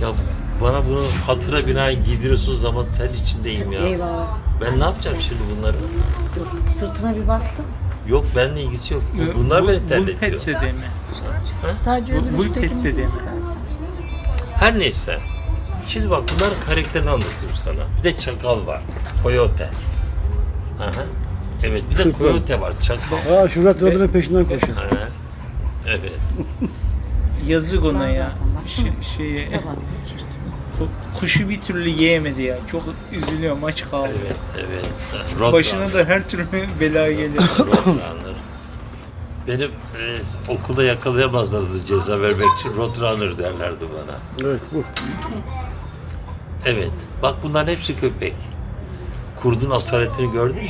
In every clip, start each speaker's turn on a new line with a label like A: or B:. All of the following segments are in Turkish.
A: Ya bana bunu hatıra binaen giydiriyorsunuz zaman ter içindeyim ya.
B: Eyvah.
A: Ben ne yapacağım şimdi bunları?
B: Dur. Sırtına bir baksın.
A: Yok benimle ilgisi yok. Bunlar beni terletiyor.
C: Pestede mi?
B: Sadece öbür
C: Bu
B: üsttekini
C: pestede mi?
B: istersen.
A: Her neyse. Şimdi bak bunların karakterini anlatayım sana. Bir de çakal var. Coyote. Aha. Evet bir de
D: Sırtlan.
A: coyote var. Çakal.
D: Aa Şurat Radır'ın peşinden koşuyor.
A: Aha. Evet.
C: Yazık ona ya.
B: Baksana.
C: Şeye,
B: Bak, çirkin.
C: kuşu bir türlü yiyemedi ya. Çok üzülüyorum, aç kaldı.
A: Evet. Evet.
C: Başına da her türlü bela gelir.
A: Roadrunner. Benim okulda yakalayamazlardı ceza vermek için. Roadrunner derlerdi bana.
D: Evet bu.
A: Evet. Bak bunların hepsi köpek. Kurdun asaletini gördün mü?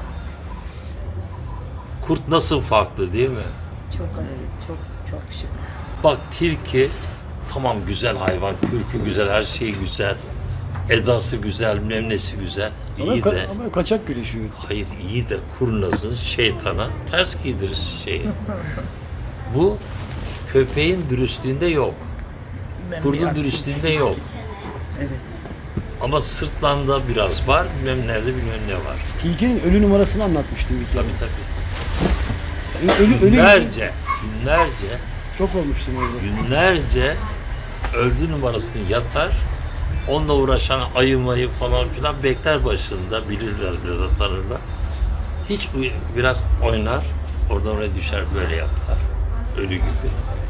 A: Kurt nasıl farklı değil mi?
B: Çok asil, çok şık.
A: Bak tilki tamam güzel hayvan, kürkü güzel, her şeyi güzel. Edası güzel, memnesi güzel. İyi de,
D: Ama kaçak güreşiyor.
A: hayır iyi de kurnazın şeytana ters giydirir şeyi. Bu köpeğin dürüstlüğünde yok. Kurdun dürüstlüğünde yok.
B: Evet.
A: Ama sırtlanda biraz var, bilmem nerede bilmem ne var.
D: Tilkinin ölü numarasını anlatmıştım bir kere.
A: Tabii.
D: Ölü
A: Günlerce
D: Çok olmuştum orada.
A: günlerce öldü numarasını yatar. Onunla uğraşan ayı mayı falan filan bekler başında. Bilirler biraz tanırlar. Hiç biraz oynar. Oradan oraya düşer böyle yapar. Ölü gibi.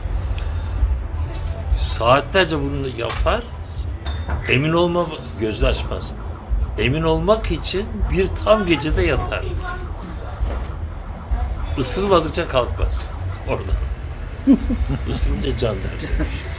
A: Saatlerce bunu yapar. Emin olma gözü açmaz. Emin olmak için bir tam gecede yatar. Isırmadıkça kalkmaz oradan. Isırınca can der.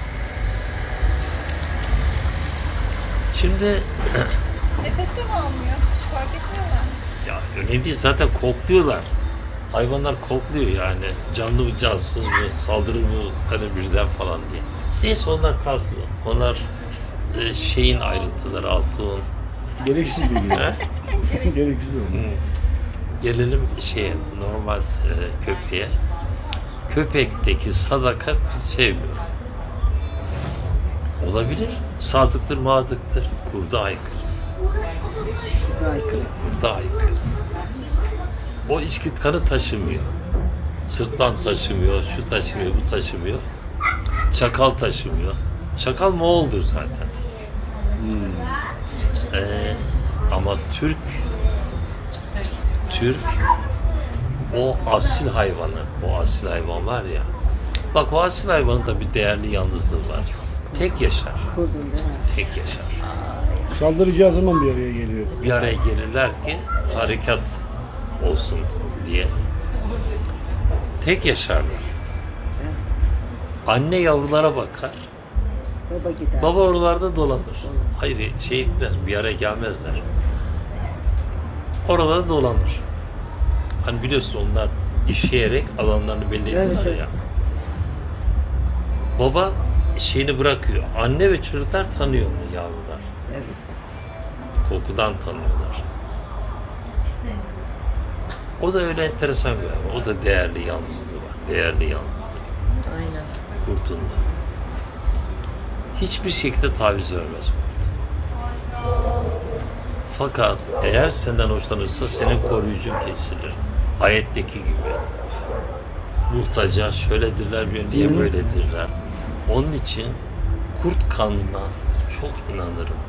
A: Şimdi
E: Nefes de mi almıyor? Hiç fark etmiyorlar.
A: ya önemli değil zaten kokluyorlar. Hayvanlar kokluyor yani. Canlı mı cansız mı saldırı mı hani birden falan diye. Neyse onlar kalsın. Onlar şeyin ayrıntıları altın.
D: Gereksiz bilgiler. Gereksiz oldu.
A: Gelelim şeye normal köpeğe. Köpekteki sadakat biz sevmiyor. Olabilir. Sadıktır, madıktır. Kurda aykırı.
B: Aykırı.
A: Kurda aykırı. O içkit kanı taşımıyor. Sırtlan taşımıyor, şu taşımıyor, bu taşımıyor. Çakal taşımıyor. Çakal Moğol'dur zaten. Ama Türk o asil hayvanı, o asil hayvan var ya. Bak o asil hayvanın da bir değerli yalnızlığı var. Tek yaşar,
B: Kurdun değil mi?
A: tek yaşar.
D: Saldıracağı zaman bir araya geliyor.
A: Bir araya gelirler ki harekat olsun diye. Tek yaşarlar. Anne yavrulara bakar.
B: Baba gider.
A: Baba oralarda dolanır. Hayır şey etmez, bir araya gelmezler. Oralarda dolanır. Hani biliyorsun onlar işleyerek alanlarını belli ediyorlar
B: Evet.
A: ya. Baba şeyini bırakıyor. Anne ve çocuklar tanıyor onu yavrular.
B: Evet.
A: Kokudan tanıyorlar. O da öyle enteresan bir hayvan. O da değerli yalnızlığı var. Değerli yalnızlığı.
B: Aynen.
A: Kurtun da. Hiçbir şekilde taviz vermez kurt. Fakat eğer senden hoşlanırsa senin koruyucun kesilir. Ayetteki gibi. Muhtaca şöyledirler bir diye böyledirler. Onun için kurt kanına çok inanırım.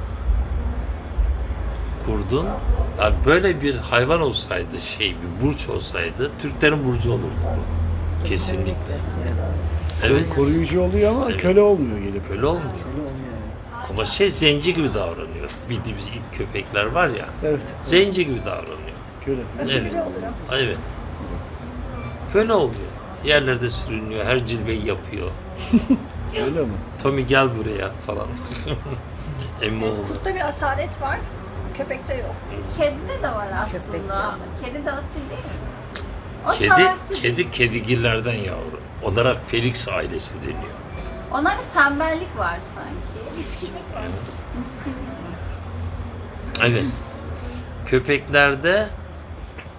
A: Kurdun yani böyle bir hayvan olsaydı bir burç olsaydı Türklerin burcu olurdu bu. Kesinlikle. Evet.
D: Koruyucu oluyor ama köle olmuyor gelip.
A: Öyle olmuyor.
B: Öyle olmuyor evet.
A: Ama zenci gibi davranıyor. Bildiğimiz ilk köpekler var ya.
D: Evet.
A: Zenci gibi davranıyor.
D: Köle.
E: Asimile
A: Evet.
E: oluyor.
A: Evet. Köle oluyor. Yerlerde sürünüyor. Her cilveyi yapıyor.
D: Öyle mi?
A: Tommy gel buraya falan. Emmi oğlu.
E: Kurtta bir asalet var. Köpekte yok.
F: Kedide de var
B: Köpek
F: aslında. Kedi de asil değil mi? O savaşçı değil.
A: Kedigillerden yavru. Onlara Felix ailesi deniyor.
F: Onlarda tembellik var sanki.
E: Miskinlik var.
F: Miskinlik.
A: Evet. Köpeklerde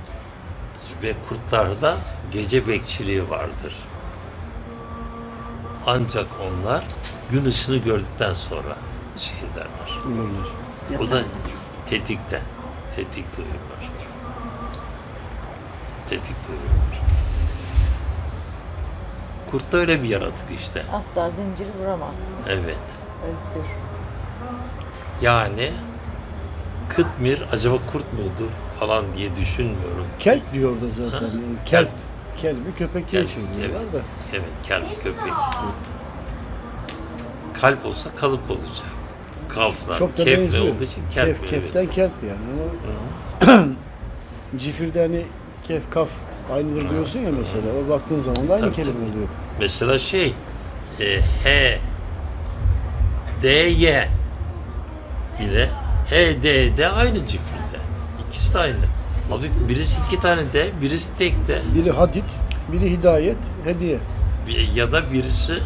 A: ve kurtlarda gece bekçiliği vardır. Ancak onlar gün ışığını gördükten sonra şey derler.
D: Uyurlar.
A: O da tetikte. Tetikte uyurlar. Tetikte uyurlar. Kurt da öyle bir yaratık işte.
B: Asla zinciri vuramaz.
A: Evet.
B: Özgür.
A: Yani Kıtmir acaba kurt mudur falan diye düşünmüyorum.
D: Kelp diyor orada zaten. Yani kelp. Kelbi köpek diye
A: Kelp,
D: çeviriyorlar
A: evet.
D: da.
A: Evet, kelp köpek. Kalp olsa kalıp olacak. Kaflar,
D: Çok da
A: kefle
D: benziyor.
A: olduğu için kelp.
D: Kef, keften
A: evet.
D: kelp yani. Ama cifirde hani kef, kaf aynıdır diyorsun ya mesela. O baktığın zaman da aynı
A: Tabii,
D: kelime
A: tabii.
D: oluyor.
A: Mesela H, D, Y ile H, D, D aynı cifrinde. İkisi de aynı. Abi birisi 2 tane D, birisi tek D.
D: Biri hadit, biri hidayet, hediye.
A: Ya da birisi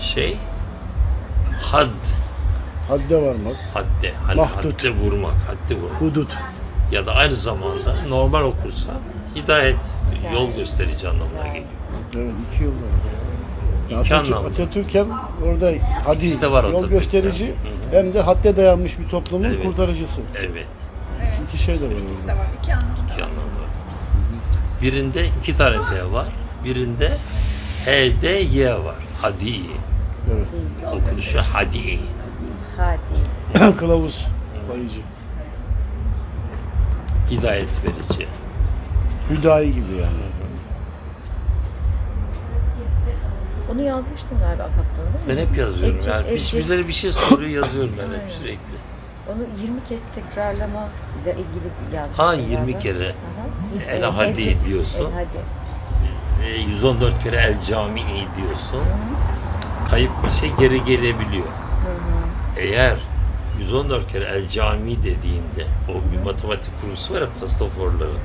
A: had,
D: Hadde varmak,
A: hadde. Hani
D: Mahdut.
A: hadde vurmak, hadde vurmak.
D: hudut.
A: Ya da aynı zamanda normal okursa hidayet, yol gösterici anlamına geliyor.
D: Evet, iki yol var.
A: İki anlamda.
D: Atatürk hem orada hadi
A: İkisi de var
D: yol
A: Atatürk'te.
D: gösterici hem de hadde dayanmış bir toplumun
A: Evet.
D: kurtarıcısı.
A: Evet,
D: İki şey de var
E: İkisi
D: orada.
E: de var. İki anlamda.
A: iki anlamda. Birinde 2 tane D var, birinde H, D, Y var. Hadi.
D: Evet.
A: Okunuşu hadi.
B: Hadi.
D: Kılavuz, bayıcı.
A: Hidayet verici.
D: Hüdayi gibi yani.
B: Onu yazmıştın galiba kaptanı değil mi?
A: Ben hep yazıyorum.
B: Ece-
A: Yani
B: Ece-
A: birileri bir şey soruyor, yazıyorum ben hep sürekli.
B: Onu 20 kez tekrarlama ile ilgili yazmıştın.
A: Ha, 20
B: galiba.
A: kere.
B: Aha.
A: El hadi
B: Ece-
A: diyorsun.
B: El hadi.
A: 114 kere el camii diyorsun. Kayıp bir şey geri gelebiliyor. Eğer 114 kere el cami dediğinde o bir matematik kursu var ya pastaforların.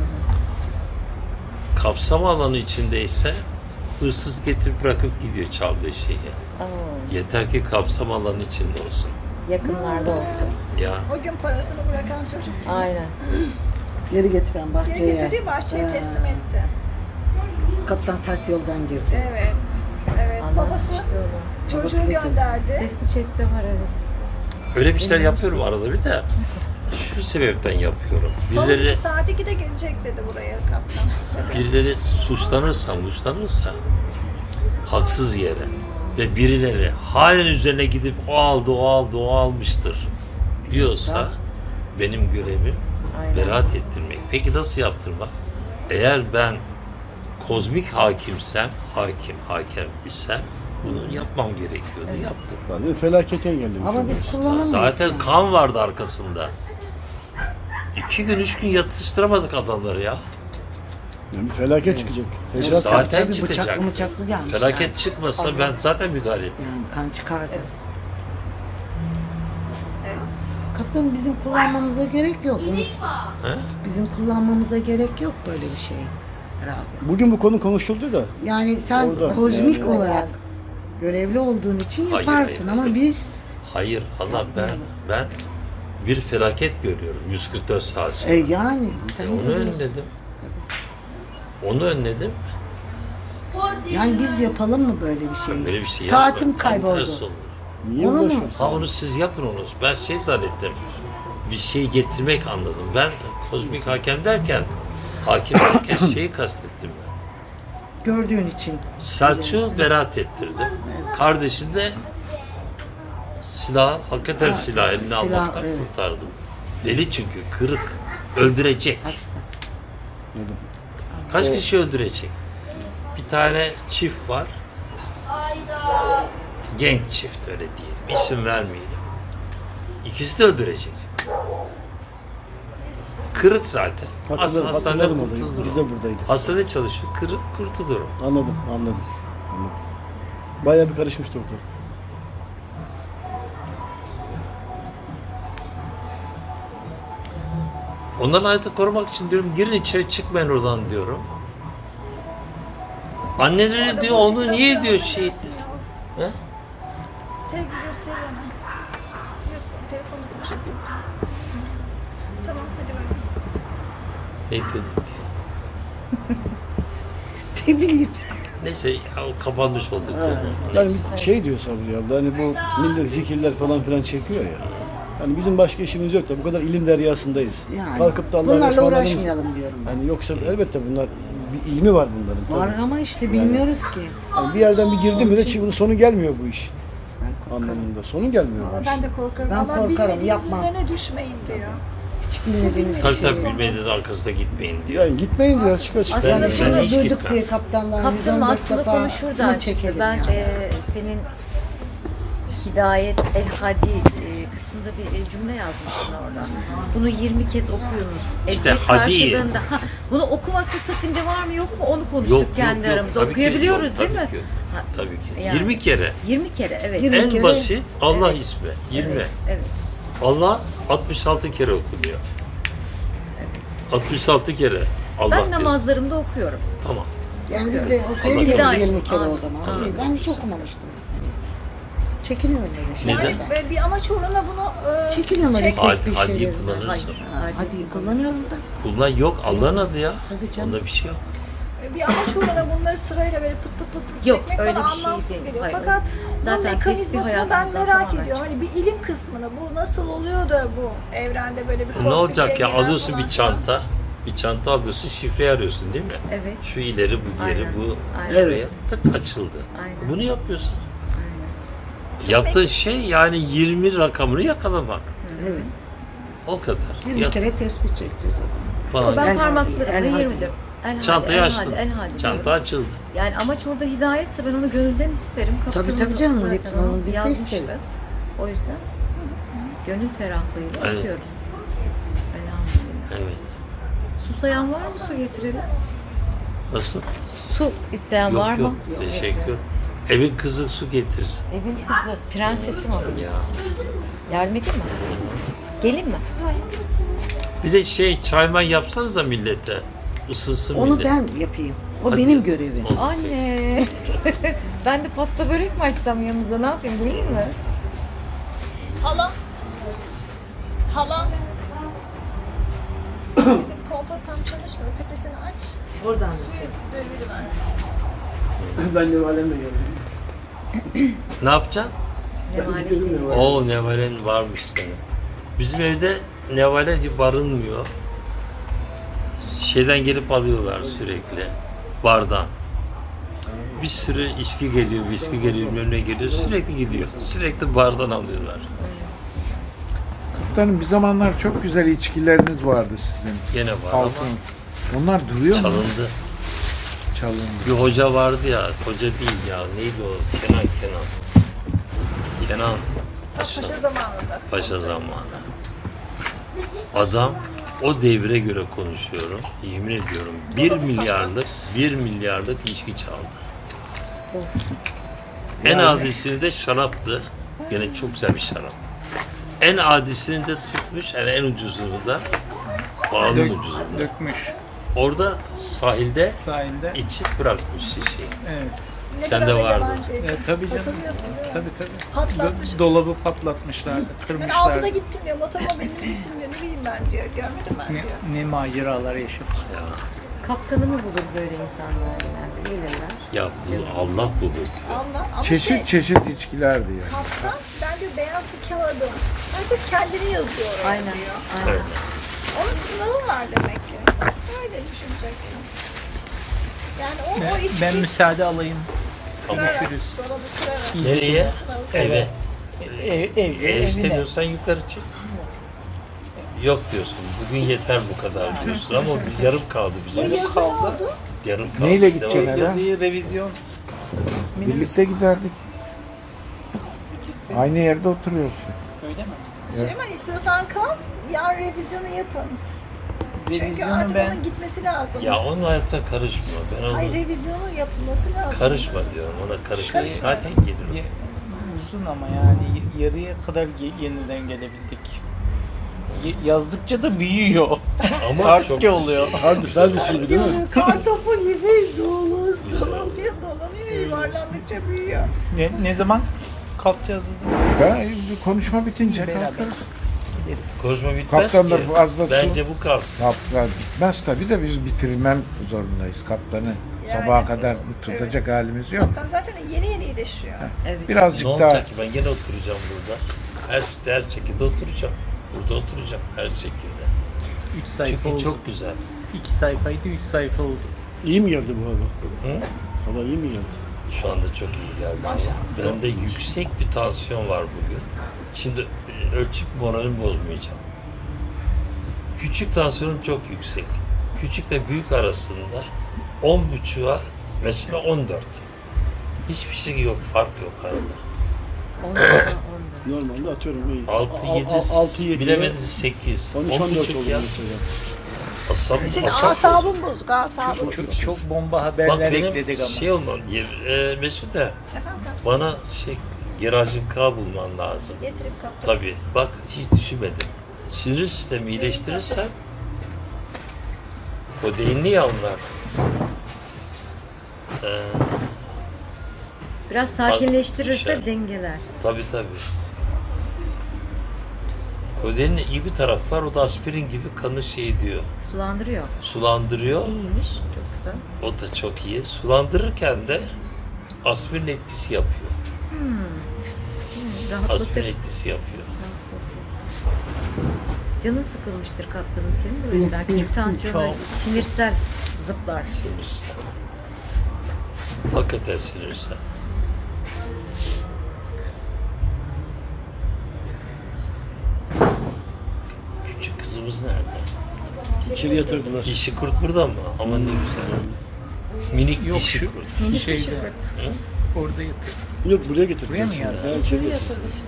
A: Kapsam alanı içindeyse hırsız getirip bırakıp gidiyor çaldığı şeyi.
B: Oo,
A: Yeter ki kapsam alanı içinde olsun.
B: yakınlarda olsun.
A: Ya
E: O gün parasını bırakan çocuk
B: Aynen. Geri getiren
E: geri
B: bahçeye.
E: getirdi, bahçeye teslim etti.
B: Kaptan ters yoldan girdi.
E: Evet. Evet. Babası
B: Anlatmıştı onu.
E: çocuğu
B: Babası getirdi.
E: gönderdi.
B: Sesli chatte var evet.
A: öyle bir şeyler yapıyorum arada bir de. Şu sebepten yapıyorum.
E: Salı günü
A: Birileri
E: saat 2'de gelecek dedi buraya kaptan. Tabii.
A: birileri suçlanırsa haksız yere ve birileri halen üzerine gidip o aldı, o aldı, o almıştır diyorsa benim görevim
B: Aynen.
A: beraat ettirmek. Peki nasıl yaptırmak? Eğer ben kozmik hakimsem, hakem isem bunu yapmam gerekiyordu. Yaptım.
D: Zaten felaket engellemiş.
B: Ama biz
D: oluyorsun.
B: kullanamayız.
A: Zaten
B: yani.
A: kan vardı arkasında. 2 gün, 3 gün yatıştıramadık adamları ya.
D: Yani felaket çıkacak. Fesat
A: Zaten
B: Tabii
A: çıkacak.
B: bıçaklı bıçaklı gelmiş.
A: Felaket
B: yani.
A: çıkmasa ben zaten müdahale ettim.
B: Yani kan çıkardı.
E: Evet.
B: Kaptan bizim kullanmamıza gerek yok.
A: He?
B: Bizim kullanmamıza gerek yok böyle bir şey. Herhalde.
D: Bugün bu konu konuşuldu da
B: Yani sen
D: Orada.
B: kozmik
D: Yani.
B: olarak görevli olduğun için
A: Hayır,
B: yaparsın
A: hayır.
B: ama biz
A: Hayır Allah ben bir felaket görüyorum 144 saat sonra.
B: yani sen
A: Onu
B: görüyorsun.
A: önledim. Onu önledim.
B: Yani biz yapalım mı böyle bir şey?
A: Böyle bir şey
B: Saatim
A: yapma. Tam tersi
B: kayboldu.
A: olur.
D: niye
B: Onu mu?
D: uğraşıyorsun?
A: Ha onu siz yapın onu. Ben şey zannettim. Bir şey getirmek anladım. Ben kozmik hakem derken şeyi kastettim ben.
B: Gördüğün için.
A: Selçuk'u beraat ettirdim. Kardeşini de hakikaten silah eline
B: silah,
A: almaktan
B: evet.
A: kurtardım. Deli çünkü, kırık. Öldürecek. Kaç kişi öldürecek? Bir tane çift var. Genç çift öyle diyelim. İsim vermeyelim. İkisi de öldürecek. Kırık zaten. Hastanede
D: Hatırladım orayı.
A: kurtulur.
D: Biz de buradaydık.
A: Hastanede çalışıyor. Kırık kurtulur.
D: Anladım. Bayağı bir karışmıştı ortalık.
A: Onların hayatını korumak için diyorum girin içeri çıkmayın oradan diyorum. Anneleri diyor onu niye diyor şey. He?
E: Sevgi göster ona. Yok, telefonla konuşuyor. Tamam, hadi bakalım.
A: Ne diyorduk?
B: Ne bileyim.
A: Neyse ya, o kapanmış olduk.
D: Yani şey diyor Sabri abla, hani bu millet zikirler falan filan çekiyor ya. Hani bizim başka işimiz yok da bu kadar ilim deryasındayız.
G: Yani
D: Kalkıp da Allah'a
G: bunlarla
D: ısmarladığımız-
G: uğraşmayalım diyorum ben.
D: Yani yoksa elbette bunlar bir ilmi var bunların.
G: Var
D: tabii.
G: ama işte bilmiyoruz ki.
D: Yani bir yerden bir girdi mi de bunun sonu gelmiyor bu iş
G: Ben korkarım.
D: anlamında. Sonu gelmiyor bu
E: Valla
D: iş.
E: ben de korkarım.
G: Ben
E: Allah
G: korkarım,
E: bilmediğiniz
G: yapmam.
E: üzerine düşmeyin diyor.
G: Hiç bilmediğimiz bir
A: Tabii
G: şey
A: tabii
G: yok.
A: bilmediğiniz arkasında gitmeyin diyor.
D: Yani gitmeyin diyor açık açık.
G: Aslında
A: Ben
G: şunu
A: hiç
G: duyduk
A: gitmem.
G: diye kaptandan
B: Kaptanım
G: 114
B: aslında
G: defa
B: konu şuradan
G: bunu çekelim
B: çıktı. Ben
G: yani.
B: senin Hidayet El Hadi kısmında bir cümle yazmışsın orada. Bunu 20 kez okuyunuz.
A: İşte
B: Ecret
A: hadi.
B: karşılığında. Ha, bunu okumakta sakınca var mı yok mu onu konuştuk
A: Yok,
B: kendi
A: yok.
B: aramızda.
A: Tabii ki
B: Okuyabiliyoruz
A: yok,
B: değil mi?
A: tabii ki.
B: Ha,
A: Tabii ki.
B: Yani.
A: 20 kere.
B: 20 kere evet.
G: 20
A: En
G: kere-
A: basit Allah ismi. 20.
B: Evet.
A: Allah 66 kere okunuyor. 66 kere Allah
B: Ben
A: diyor.
B: namazlarımda okuyorum.
A: Tamam.
G: Yani biz de
B: Allah
G: okuyabiliriz
B: korusun.
G: 20 kere o
B: Amin.
G: zaman.
A: Amin.
G: Ben hiç okumamıştım. Çekiniyorum öyle şeylerden.
A: Neden?
E: Ve bir amaç uğruna bunu
G: Çekiniyorum öyle
E: çekmek.
G: kesmiş
A: Hadi
G: şeylerden.
A: kullanırsın.
B: Hayır.
G: Hadi kullanıyorum da.
A: Kullan yok Allah'ın adı ya.
G: Tabii canım.
A: Onda bir şey yok.
E: Bir amaç uğruna bunları sırayla böyle pıt pıt pıt
B: Yok,
E: çekmek
B: öyle
E: bana
B: bir şey
E: anlamsız
B: değil.
E: geliyor.
B: Hayır,
E: Fakat
B: zaten
E: bunun
B: tesbih
E: mekanizmasını ben
B: hayatımızdan
E: merak
B: tamamen
E: ediyorum. Hani bir ilim kısmını bu nasıl oluyor da bu evrende böyle bir
A: Ne
E: kozmik
A: olacak ya?
E: dengeler
A: Alıyorsun
E: falan
A: bir çanta. Bir çanta alıyorsun, şifre arıyorsun değil mi?
B: Evet.
A: Şu ileri, bu geri,
B: Aynen.
A: bu
B: Aynen.
A: şuraya tık açıldı.
B: Aynen.
A: Bunu yapıyorsun. Yaptığın şey yani 20 rakamını yakalamak.
G: Evet.
A: O kadar.
G: 20
A: Ya,
G: kere tespih çekeceğiz o zaman.
A: falan.
B: Ben
G: El hadi,
B: parmaklarımda
G: el hadi.
B: 20'dir. El hadi,
A: Çantayı
B: el
A: açtın.
B: hadi, el hadi
A: Çanta
B: diyorum.
A: açıldı.
B: Yani amaç orada hidayetse ben onu gönülden isterim.
G: Tabii,
B: Kaptanım
G: canım,
B: zaten
G: hepsini
B: onu
G: biz de
B: yazmıştı.
G: isteriz.
B: O yüzden gönül ferahlığıyla
A: Evet.
B: okuyorum. Elhamdülillah.
A: Evet.
B: Susayan var mı su getirelim?
A: Nasıl?
B: Su isteyen var
A: Yok
B: mı?
A: yok. Teşekkür. Evin kızı su getir.
B: Evin kızı, prensesim o.
A: Ya.
B: Yardım edeyim mi? Gelin mi?
A: Bir de şey çayman yapsanıza millete. Isınsın
G: Onu
A: millet.
G: ben yapayım. O
A: Hadi.
G: benim görevim.
B: Anne. Ben de pasta börek mi açsam yanınıza ne yapayım geleyim mi?
E: Hala. Hala. Bizim pompa tam çalışmıyor. Tepesini aç.
G: Oradan.
E: Suyu deviriver.
D: Ben de alemle geldim.
A: Ne yapacaksın?
B: Ne maalesef.
A: Oo nevalen varmış senin. Bizim evde nevaleci barınmıyor. Şeyden gelip alıyorlar sürekli. Bardan. Bir sürü içki geliyor, viski geliyor, önüne geliyor. Sürekli gidiyor. Sürekli bardan alıyorlar.
H: Kaptanım bir zamanlar çok güzel içkileriniz vardı sizin.
A: Gene var
H: Altın.
A: ama
H: Onlar duruyor mu?
A: çalındı.
H: Çalındı.
A: Bir hoca vardı ya, hoca değil ya. Neydi o? Kenan. Kenan.
E: Paşa zamanında.
A: Paşa zamanı. Adam o devre göre konuşuyorum. Yemin ediyorum 1 milyarlık içki çaldı. En adisini de şaraptı. Gene çok güzel bir şarap. En adisini de tutmuş, yani en ucuzunu da pahalının ucuzunu.
C: Dökmüş
A: Orada sahilde
C: sahilde.
A: içip bırakmış şişeyi.
C: Evet.
E: Ne
A: Sen
E: kadar
A: de
E: da
A: vardın.
E: yalancıydı.
C: Tabii canım.
E: Hatırlıyorsun değil mi?
C: Tabii.
E: Patlatmış.
C: Dolabı patlatmışlardı,
E: Ben
C: kırmışlardı.
E: altıda gittim diyor, motomobilimle gittim diyor, ne bileyim ben diyor, görmedim ben diyor.
C: Ne maceralar yaşamış.
A: Ya,
B: Kaptanımı bulur böyle insanlar genelde. Gelirler.
A: ya bu Allah bulur diyor.
E: Allah ama
H: Çeşit çeşit içkilerdi yani.
E: kaptan, ben diyor beyaz bir kağıdım. Herkes kendini yazıyor oraya
B: Aynen.
E: diyor.
B: Aynen.
A: Evet.
E: Onun sınavı var demek ki. Öyle düşüneceksin. Yani o içki
C: Ben müsaade alayım.
E: kırarak,
C: Görüşürüz.
E: dolabı kırarak.
A: Nereye?
E: Sınavı
A: Eve.
C: Evde,
A: Ev
C: evine.
A: istemiyorsan yukarı çık. Yok diyorsun. Bugün yeter bu kadar diyorsun ama bir yarım kaldı
E: Bu
A: bize.
E: yazı ne oldu?
A: Yarım kaldı.
H: Neyle gideceksin
A: Devam.
H: eve?
C: Yazıyı revizyon.
H: Birlikte giderdik. Aynı yerde oturuyorsun.
C: Öyle mi?
E: Süleyman istiyorsan kal, yarın revizyonu yapın. Çünkü
C: Revizyonu
E: artık
C: ben
E: onun gitmesi lazım.
A: Ya onun hayatına karışma. Ben onu
E: Hayır, revizyonu yapılması lazım.
A: karışma diyorum. Ona karışma.
E: Karışma.
A: Zaten gelir.
C: ye- uzun ama yani yarıya kadar yeniden gelebildik. Yazdıkça da büyüyor.
A: Ama
C: Artık
A: çok
C: oluyor.
D: Hardisi değil mi?
E: Kartopu gibi dolanıyor, yuvarlandıkça büyüyor.
C: Ne zaman kalkacağız?
H: Ben konuşma bitince
C: Beraber.
H: kalkarız.
C: Gideriz.
A: konuşma bitmez
H: Kaptan da
A: ki.
H: fazla su-
A: Bence bu kalsın.
H: Kaptan bitmez tabii de biz bitirmem zorundayız kaptanı.
E: Yani.
H: Sabaha kadar tutacak halimiz yok.
E: Zaten yeni yeni iyileşiyor.
B: Evet.
H: Birazcık
A: Ne
H: daha
A: olacak ki? Ben gene oturacağım burada. Her şekilde oturacağım. Burada oturacağım her şekilde.
C: 3 sayfa
A: Çünkü
C: oldu.
A: çok güzel.
C: 2 sayfaydı 3 sayfa oldu.
D: İyi mi geldi bu hava?
A: Hı?
D: Hava iyi mi geldi?
A: Şu anda çok iyi geldi. Bende yüksek bir tansiyon var bugün. Şimdi ölçüp moralimi bozmayacağım. Küçük tansiyonum çok yüksek. Küçükle büyük arasında 10,5'a mesela 14. Hiçbir şey yok, fark yok arada.
B: 10'da.
D: Normalde atıyorum iyi.
A: 6-7, bilemediniz 8.
D: 13-14
A: 10,5
D: oldu
A: ya.
D: mesela.
E: Senin
A: Asap
E: asabın bozuk, asabın bozuk.
C: Çok bomba
A: Bak
C: haberler
A: benim
C: ekledik ama.
A: şey olmam, Mesut da
E: Efendim,
A: bana Gerajin K bulman lazım.
E: getirip kaptım.
A: Tabii. Bak hiç düşünmedim. Sinir sistemi iyileştirirsen kodeinli ya onlar.
B: Biraz sakinleştirirse
A: Şey.
B: dengeler.
A: Tabii. Kodeinin iyi bir tarafı var. O da aspirin gibi kanı şey diyor.
B: Sulandırıyor.
A: Sulandırıyor.
B: İyiymiş. Çok güzel.
A: O da çok iyi. Sulandırırken de aspirin etkisi yapıyor.
B: Rahatlatır.
A: Aspirin etkisi yapıyor.
B: Canın sıkılmıştır kaptanım senin de o yüzden. Küçük tansiyonlar,
C: Çok.
B: sinirsel zıplar.
A: Sinirsel. Hakikaten sinirsel. Küçük kızımız nerede?
D: İçeri yatırdılar.
A: Dişi kurt burada mı? Ama ne güzel. Minik
C: Yok
A: dişi
C: şu
A: kurt.
C: şeyde orada yatıyor.
D: Yok buraya getirdiler.
C: Buraya mı
D: şimdi.
C: geldi?
D: Ha, içeri getirdiler.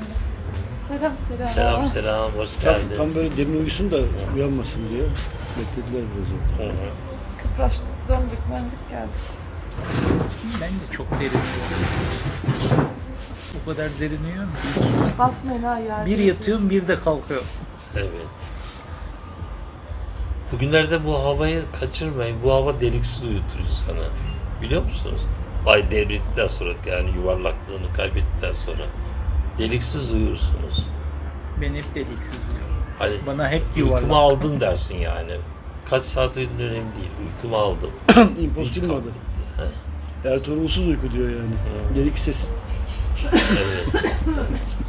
A: Selam, hoş
D: Tam,
A: geldin.
D: tam böyle derin uyusun da uyanmasın diye beklediler biraz orada.
A: Hı hı.
F: Kıpraştık, döndük geldik.
C: Ben de çok derin uyuyorum. O kadar derin uyuyorum ki.
F: Basmayın ha yer.
C: Bir yatıyorum bir de kalkıyorum.
A: Evet. Bugünlerde bu havayı kaçırmayın. Bu hava deliksiz uyutur insanı. Biliyor musunuz? Ay devrettikten sonra yani yuvarlaklığını kaybettikten sonra deliksiz uyursunuz.
C: Ben hep deliksiz uyuyorum.
A: Hani
C: Bana hep
A: uykumu
C: yuvarlak.
A: aldın dersin yani. Kaç saat uyudun önemli değil. Uykumu aldım.
D: İmpossible mi adı?
A: kalktım diye. He,
D: Ertuğrulsuz uyku diyor yani. Delik ses.
A: evet.